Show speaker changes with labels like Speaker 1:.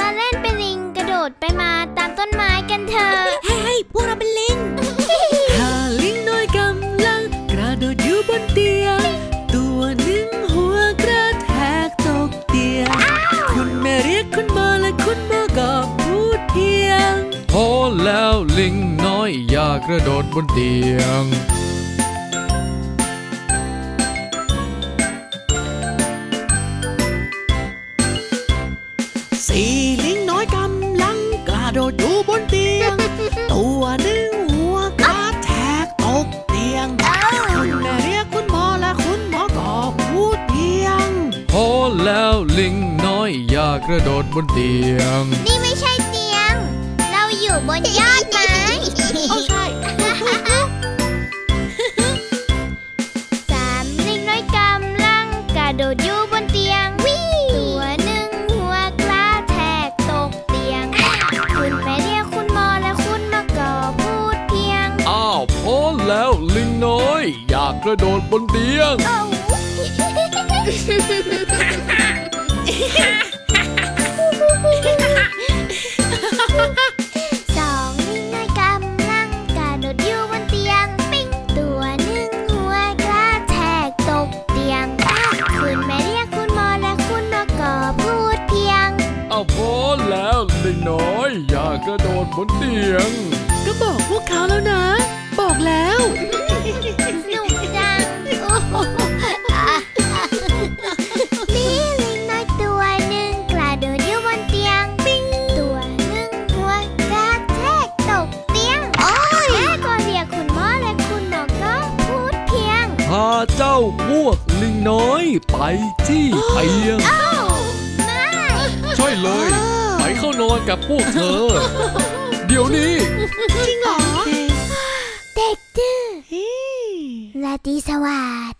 Speaker 1: เล่นเป็นลิงกระโดดไปมาตามต้นไม้กันเถอะ
Speaker 2: เฮ้ยพวกเราเป็นลิงถ้าลิงน้อยกำลังกระโดดอยู่บนเตียงตัวหนึ่งหัวกระแทกตกเตียงคุณแม่เรียกคุณหมอและคุณหมอก็พูดเพียง
Speaker 3: พอแล้วลิงน้อยอย่ากระโดดบนเตียง
Speaker 2: สี่ลิงน้อยกำลังกระโดดอยู่บนเตียงตัวหนึ่งหัวกระแทกตกเตียงคุณแม่เรียกคุณหมอและคุณหมอก็พูดเพียง
Speaker 3: พอแล้วลิงน้อยอย่ากระโดดบนเตียง
Speaker 1: นี่ไม่ใช่เตียงเราอยู่บนยอดไม้
Speaker 2: โอ้ใช่
Speaker 1: สามลิงน้อยกำลังกระโดดอยู่บนเตียงตัวหนึ่งหัวกระแทกตกเตียงคุณแม่เรียกคุณหมอและคุณหมอก็พูดเพียง
Speaker 3: อ้าวพอแล้วลิงน้อยอย่ากระโดดบนเตียง
Speaker 1: สองลิงน้อยกำลังกระโดดอยู่บนเตียงปิ้งตัวหนึ่งหัวกระแทกตกเตียงคุณแม่เรียกคุณหมอและคุณหมอก็พูดเพียง
Speaker 3: อ้าวพอแล้วลิงน้อยอย่ากระโดดบนเตียง
Speaker 2: ก็บอกพวกเขาแล้วนะบอกแล้ว
Speaker 1: สนุกจังมีลิงน้อยตัวหนึ่งกระโดดอยู่บนเตียงปิ้งตัวหนึ่งหัวกระแทกตกเตียงแม่ก็เรียกคุณหมอและคุณหมอก็พูดเพียง
Speaker 3: พาเจ้าพวกลิงน้อยไปที่เตียง
Speaker 1: ไม่
Speaker 3: ใช่เลยไปเข้านอนกับพวกเธอเดี๋ยวนี้
Speaker 2: จริงเหรอ
Speaker 1: เด็กดื้อราตรีสวัสดิ์